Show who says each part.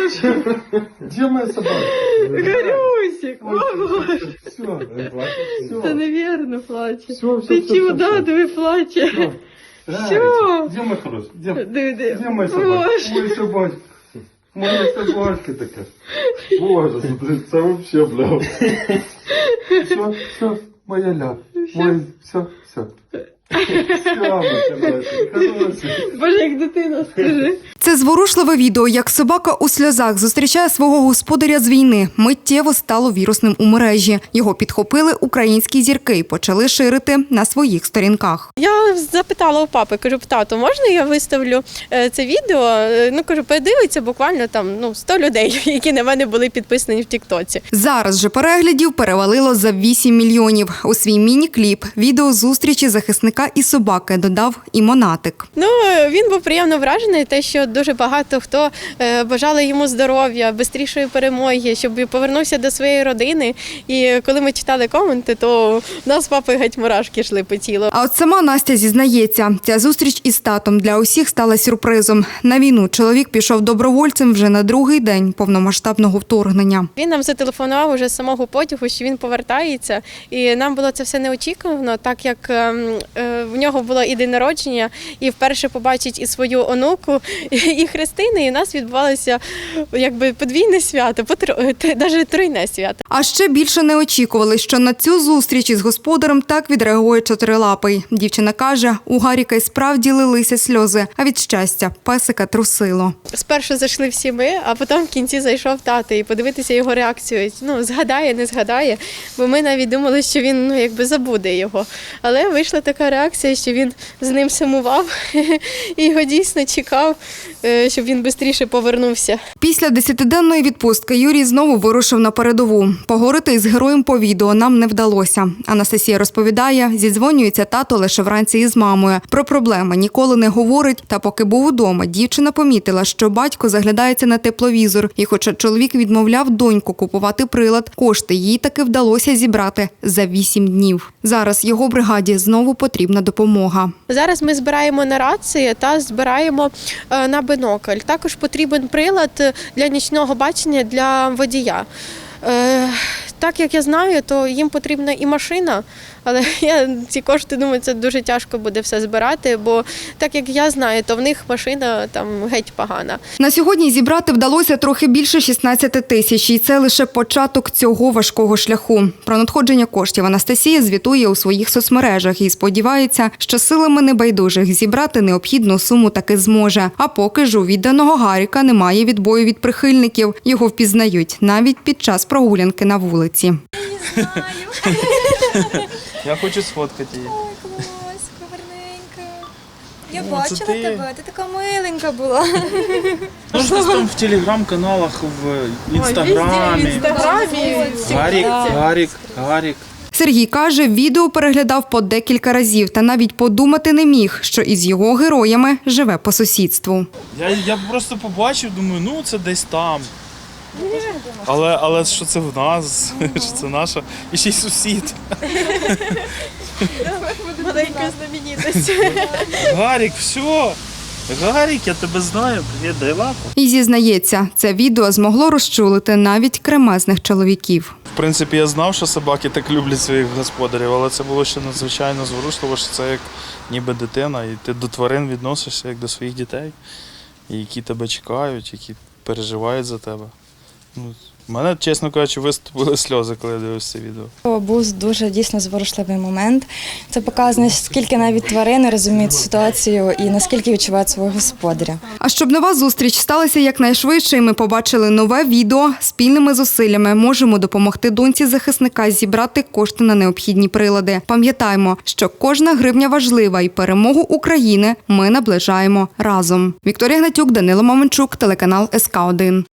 Speaker 1: Где моя собака?
Speaker 2: Гарюсик, мама.
Speaker 1: Все.
Speaker 2: Це невірно плаче.
Speaker 1: Все.
Speaker 2: Ти чудо, диви, плаче. Все.
Speaker 1: Где мой хороший?
Speaker 2: Диви.
Speaker 1: Где моя собака? Моя собачка. Моя собачка такая. Боже, смотри, это вообще, бля. Все, моя ля. Мой, все.
Speaker 2: Боже, як дитина, скажи.
Speaker 3: Це зворушливе відео, як собака у сльозах зустрічає свого господаря з війни. Миттєво стало вірусним у мережі. Його підхопили українські зірки і почали ширити на своїх сторінках.
Speaker 2: Я запитала у папи, кажу, тату, можна я виставлю це відео? Ну, кажу, подивиться буквально там 100 людей, які на мене були підписані в тіктоці.
Speaker 3: Зараз же переглядів перевалило за 8 мільйонів. У свій міні-кліп відео зустрічі захисника і собаки додав і Монатик.
Speaker 2: Ну, він був приємно вражений, те, що дуже багато хто бажали йому здоров'я, швидшої перемоги, щоб повернувся до своєї родини. І коли ми читали коменти, то в нас з папою геть мурашки йшли по тілу.
Speaker 3: А от сама Настя зізнається, ця зустріч із татом для усіх стала сюрпризом. На війну чоловік пішов добровольцем вже на другий день повномасштабного вторгнення.
Speaker 2: Він нам зателефонував уже з самого потягу, що він повертається. І нам було це все неочікувано, так як в нього було і день народження, і вперше побачить і свою онуку, і хрестини, і у нас відбувалося якби подвійне свято, навіть тройне свято.
Speaker 3: А ще більше не очікували, що на цю зустріч із господарем так відреагує чотирилапий. Дівчина каже, у Гаріка й справді лилися сльози, а від щастя песика трусило.
Speaker 2: Спершу зайшли всі ми, а потім в кінці зайшов тато і подивитися його реакцію. Згадає, не згадає, бо ми навіть думали, що він якби забуде його. Але вийшла така реакція, що він з ним сумував і його дійсно чекав, щоб він швидше повернувся.
Speaker 3: Після 10-денної відпустки Юрій знову вирушив на передову. Поговорити із героєм по відео нам не вдалося. Анастасія розповідає, зідзвонюється тато лише вранці із мамою. Про проблеми ніколи не говорить, та поки був удома, дівчина помітила, що батько заглядається на тепловізор. І хоча чоловік відмовляв доньку купувати прилад, кошти їй таки вдалося зібрати за 8 днів. Зараз його бригаді знову потрібна допомога.
Speaker 2: Зараз ми збираємо на рації та збираємо на бінокль. Також потрібен прилад для нічного бачення для водія. Так як я знаю, то їм потрібна і машина, але я ці кошти, думаю, це дуже тяжко буде все збирати, бо так як я знаю, то в них машина там геть погана.
Speaker 3: На сьогодні зібрати вдалося трохи більше 16 тисяч, і це лише початок цього важкого шляху. Про надходження коштів Анастасія звітує у своїх соцмережах і сподівається, що силами небайдужих зібрати необхідну суму таки зможе. А поки ж у відданого Гаріка немає відбою від прихильників. Його впізнають навіть під час прогулянки на вулиці.
Speaker 4: Не знаю.
Speaker 5: Я хочу сфоткати її.
Speaker 4: Ой, клас, гарненька. Я
Speaker 5: О,
Speaker 4: бачила
Speaker 5: це ти?
Speaker 4: тебе, ти така миленька була.
Speaker 5: Ну, щось там в телеграм-каналах, в інстаграмі. Гарік.
Speaker 3: Сергій каже, відео переглядав по декілька разів та навіть подумати не міг, що із його героями живе по сусідству.
Speaker 5: Я просто побачив, думаю, це десь там. Але що це в нас, що це наша, і ще й сусід.
Speaker 2: Маленька знаменитість.
Speaker 5: Гарік, все. Гарік, я тебе знаю, привіт, дай лапу.
Speaker 3: І зізнається, це відео змогло розчулити навіть кремезних чоловіків.
Speaker 5: В принципі, я знав, що собаки так люблять своїх господарів, але це було ще надзвичайно зворушливо, що це як ніби дитина, і ти до тварин відносишся як до своїх дітей, які тебе чекають, які переживають за тебе. У мене, чесно кажучи, виступили сльози, коли я дивився це відео.
Speaker 6: Був дуже дійсно зворушливий момент. Це показує, наскільки навіть тварини розуміють ситуацію і наскільки відчувають свого господаря.
Speaker 3: А щоб нова зустріч сталася якнайшвидше і ми побачили нове відео, спільними зусиллями можемо допомогти доньці захисника зібрати кошти на необхідні прилади. Пам'ятаємо, що кожна гривня важлива і перемогу України ми наближаємо разом. Вікторія Гнатюк, Данило Маменчук, телеканал СК1.